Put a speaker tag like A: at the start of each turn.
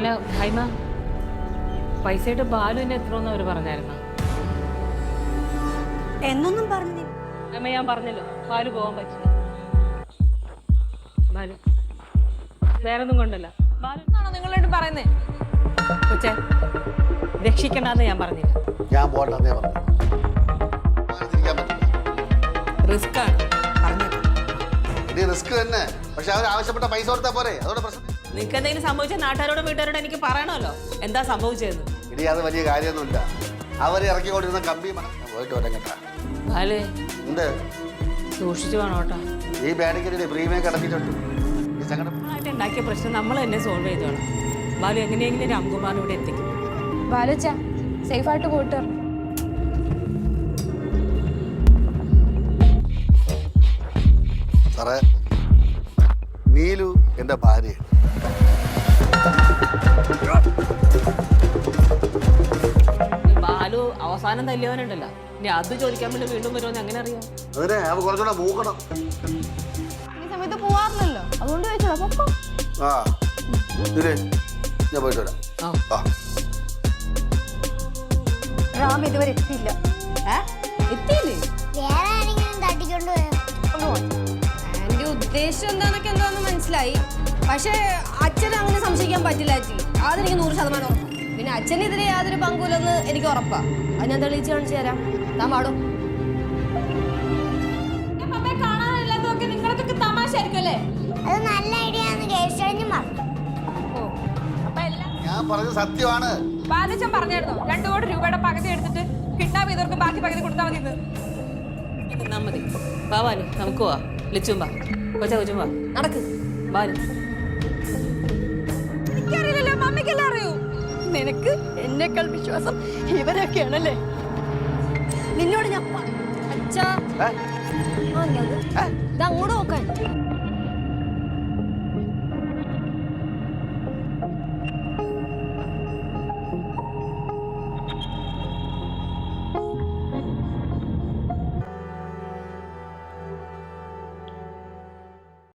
A: അല്ല ഹൈമ, പൈസയുടെ ബാലുവിനെ എത്രയെന്ന് അവർ പറഞ്ഞായിരുന്നു?
B: എന്നൊന്നും പറഞ്ഞില്ല.
A: അമ്മ ഞാൻ പറഞ്ഞല്ലോ, ബാലു പോകാൻ പറ്റില്ല. ബാലു വേറൊന്നും കൊണ്ടല്ല. ബാലു എന്നാണോ നിങ്ങളോട് പറയുന്നേ? കൊച്ചേ, രക്ഷിക്കണ്ടെന്ന് ഞാൻ പറഞ്ഞില്ല.
C: ഞാൻ പോകണ്ടെന്നേ പറഞ്ഞു.
A: റിസ്ക് ആണ് പറഞ്ഞത്.
C: ഇത് റിസ്ക് തന്നെ. പക്ഷെ അവർ ആവശ്യപ്പെട്ട പൈസ കൊടുത്താൽ പോരെ, അതോടെ പ്രശ്നം.
A: നിങ്ങൾക്ക് എന്തെങ്കിലും സംഭവിച്ചാൽ നാട്ടുകാരോടും വീട്ടുകാരോടും എനിക്ക് പറയണമല്ലോ എന്താ സംഭവിച്ചതെന്ന്.
C: ഇനി അത് വലിയ കാര്യമൊന്നുമില്ല. അവർ ഇറക്കിക്കൊണ്ടിരുന്ന കമ്പി പോയിട്ട് വരാൻ കേട്ടാ.
A: ബാലേ,
C: എന്ത്
A: സൂക്ഷിച്ചു വേണം കേട്ടോ.
C: ഈ ബാഡിക്കല്ലേ പ്രീമിയം കിടത്തിയിട്ടുണ്ട്. ഈ സങ്കടം
A: ആയിട്ട് ഉണ്ടാക്കിയ പ്രശ്നം നമ്മൾ തന്നെ സോൾവ് ചെയ്തോളാം. ബാലു എങ്ങനെയെങ്കിലും രാംകുമാറിനെ ഇവിടെ എത്തിക്കും.
D: ബാലുച്ച സേഫായിട്ട് പോയിട്ട് വരണം.
C: സാറേ, നീലു എൻ്റെ ഭാര്യയാണ്.
A: ബാലു അവസാനം തല്ലിയവനുണ്ടല്ലോ, ഇനി അത് ചോദിക്കാൻ വേണ്ടി വീണ്ടും വരുമെന്ന് എങ്ങനെ അറിയാം?
C: അതിനെ അവ കുറച്ചുകൂടെ മൂക്കണം.
D: ഈ സമയത്ത് പോവാറില്ലല്ലോ, അതുകൊണ്ട് ചോദിച്ചോളാം. പൊക്കോ.
C: ആ ഇതിലേ ഞാൻ പോയിട്ട് വരാം. ആ
B: റാം ഇതുവരെ എത്തിയില്ല.
D: എത്തിയില്ലേ?
E: വേറെ ആരെങ്കിലും തട്ടിക്കൊണ്ട് പോയോ?
D: എന്റെ ഉദ്ദേശം എന്താണെന്ന് മനസ്സിലായി. പക്ഷേ അച്ഛനെ അങ്ങനെ സംശയിക്കാൻ പറ്റില്ല ചേച്ചി, അതെനിക്ക് 100% ഉറപ്പാണ്. പിന്നെ അച്ഛനെതിരെ യാതൊരു പങ്കുമില്ലെന്ന് എനിക്ക് ഉറപ്പാ. അത് ഞാൻ തെളിയിച്ച് കാണിച്ചു തരാം. താൻ പാടും. നിങ്ങളൊക്കെ തമാശ ആയിരിക്കും അല്ലേ?
E: അത് നല്ല ഐഡിയ ആണെന്ന് കേശവനും പറഞ്ഞു.
C: ഞാൻ പറഞ്ഞത് സത്യമാണ്.
F: ബാലച്ചൻ പറഞ്ഞായിരുന്നോ 2 കോടി രൂപയുടെ പകുതി എടുത്തിട്ട് കിഡ്നാപ്പ് ചെയ്തവർക്ക് ബാക്കി പകുതി കൊടുത്താൽ മതി.
A: നിന്നാ മതി. വാ ബാലു, നമുക്ക് പോവാ. ലിച്ചും വാ, കൊച്ചും വാ.
D: നടക്ക്
A: ബാലു.
F: എനിക്കറിയില്ലല്ലോ, മമ്മിക്കെല്ലാം അറിയൂ.
B: നിനക്ക് എന്നേക്കാൾ വിശ്വാസം ഇവരൊക്കെയാണല്ലേ? നിന്നോട് ഞാൻ
D: അച്ഛാ,
C: ഏ?
D: ഇത് അങ്ങോട്ട് നോക്കാൻ.